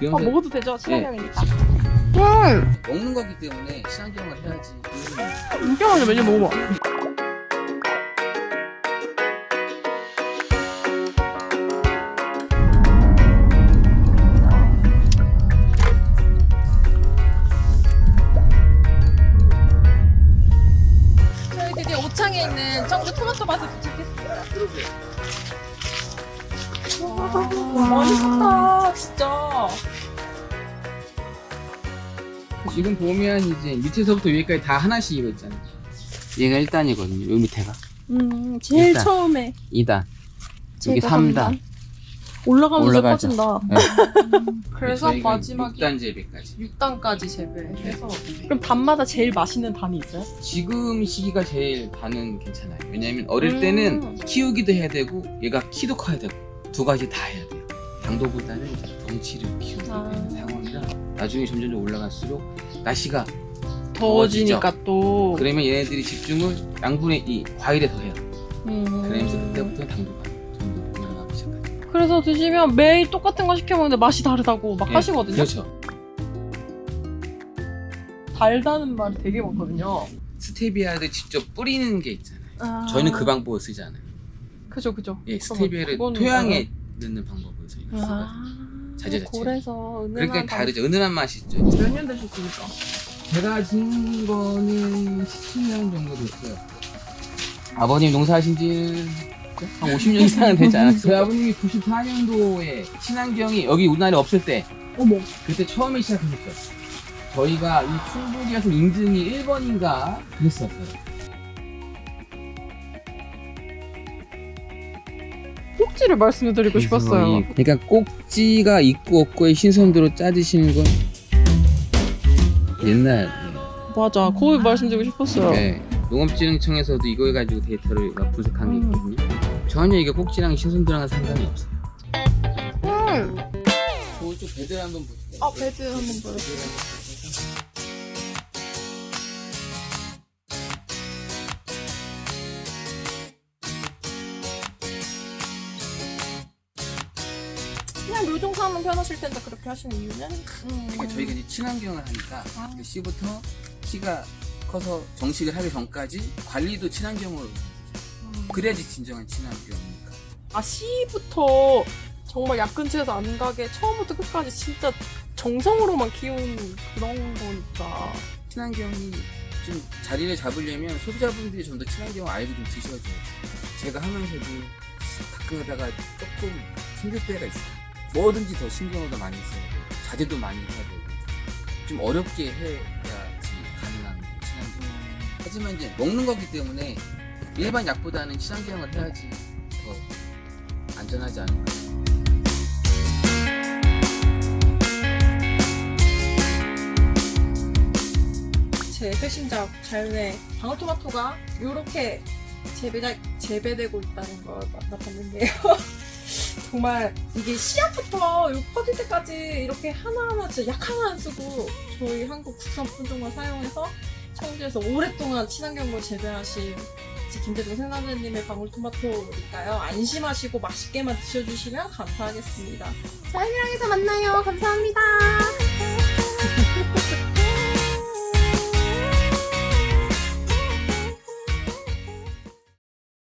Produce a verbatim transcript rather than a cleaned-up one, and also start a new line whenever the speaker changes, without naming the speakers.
아, 먹어도 되죠? 친환경이니까. 음,
먹는 거기 때문에 친환경을 해야지.
진짜 맛있어. 메뉴 먹어봐. 저희 드디어 오창에 있는 청주 토마토 밭에 도착했습니다. 와, 맛있다, 진짜.
지금 보면 이제 밑에서부터 위에까지 다 하나씩 이거 있잖아요. 얘가 일 단이거든요. 요 밑에가
음, 제일
일단.
처음에
이 단, 이게
제가
삼
삼
단.
단. 올라가면서
올라가죠.
커진다.
네.
그래서
저희가
마지막에
육 단 재배까지.
육 단까지 재배해서. 그럼 단마다 제일 맛있는 단이 있어요?
지금 시기가 제일 단은 괜찮아요. 왜냐면 어릴
음.
때는 키우기도 해야 되고 얘가 키도 커야 되고 두 가지 다 해야 돼요. 당도보다는 이제 덩치를 키우게
아.
되는 상황이라 나중에 점점 올라갈수록 날씨가
더워지니까 또.
그러면 얘네들이 집중을 양분의 이 과일에 더 해요.
음.
그러면서 그때부터 당도가 좀 더 올라가기 시작해요.
그래서 드시면 매일 똑같은 거 시켜 먹는데 맛이 다르다고 막
예,
하시거든요.
그렇죠.
달다는 말이 되게 많거든요.
스테비아를 직접 뿌리는 게 있잖아요.
아.
저희는 그 방법을 쓰지 않아요.
그죠, 그죠.
예,
그건-
스테비아를
그건
토양에 넣는 방법을 저희가 써가지고
아.
자재자체.
고래서 은은한.
그러니까 다르죠. 은은한 맛이 있죠.
몇 년 되셨습니까?
제가 지은 거는 십칠 년 정도 됐어요. 아버님 농사하신 지는 한 오십 년 이상은 되지 않았어요. 저희 아버님이 구십사 년도에 친환경이 여기 우리나라에 없을 때
어머.
그때 처음에 시작하셨어요. 저희가 이 충북이어서 인증이 일 번인가 그랬었어요.
꼭지를 말씀드리고 싶었어요.
이- 그러니까 꼭지가 있고 없고의 신선도로 짜주시는 건 옛날
맞아. 그거 말씀드리고 싶었어요.
네, 농업진흥청에서도 이거 해가지고 데이터를 막 분석한 게
음.
있거든요. 전혀 이게 꼭지랑 신선도랑 상관이 없어요.
음.
저쪽 배들 한번 보세요.
아, 배드 한번 보여주세요. 그냥 묘종사하면 편하실 텐데 그렇게 하시는 이유는? 음.
그러니까 저희가 이제 친환경을 하니까
아.
그 씨부터 키가 커서 정식을 하기 전까지 관리도 친환경으로
음.
그래야지 진정한 친환경이니까.
아, 씨부터 정말 약근처에서 안 가게 처음부터 끝까지 진짜 정성으로만 키운 그런 거니까.
친환경이 좀 자리를 잡으려면 소비자분들이 좀 더 친환경을 알고 좀 드셔줘요. 제가 하면서도 가끔 하다가 조금 힘들 때가 있어요. 뭐든지 더 신경을 더 많이 써야 돼요. 자제도 많이 해야 되고 좀 어렵게 해야지 가능한 친환경. 하지만 이제 먹는 거기 때문에 일반 약보다는 친환경을 해야지 더 안전하지 않을까.
제 회신작 자연의 방울토마토가 이렇게 재배가, 재배되고 있다는 걸 만나봤는데요. 정말 이게 씨앗부터 요 퍼질 때까지 이렇게 하나하나 진짜 약 하나 안 쓰고 저희 한국 국산 품종만 사용해서 청주에서 오랫동안 친환경으로 재배하신 김대중 생산자님의 방울토마토니까요. 안심하시고 맛있게만 드셔주시면 감사하겠습니다. 자연이랑에서 만나요. 감사합니다.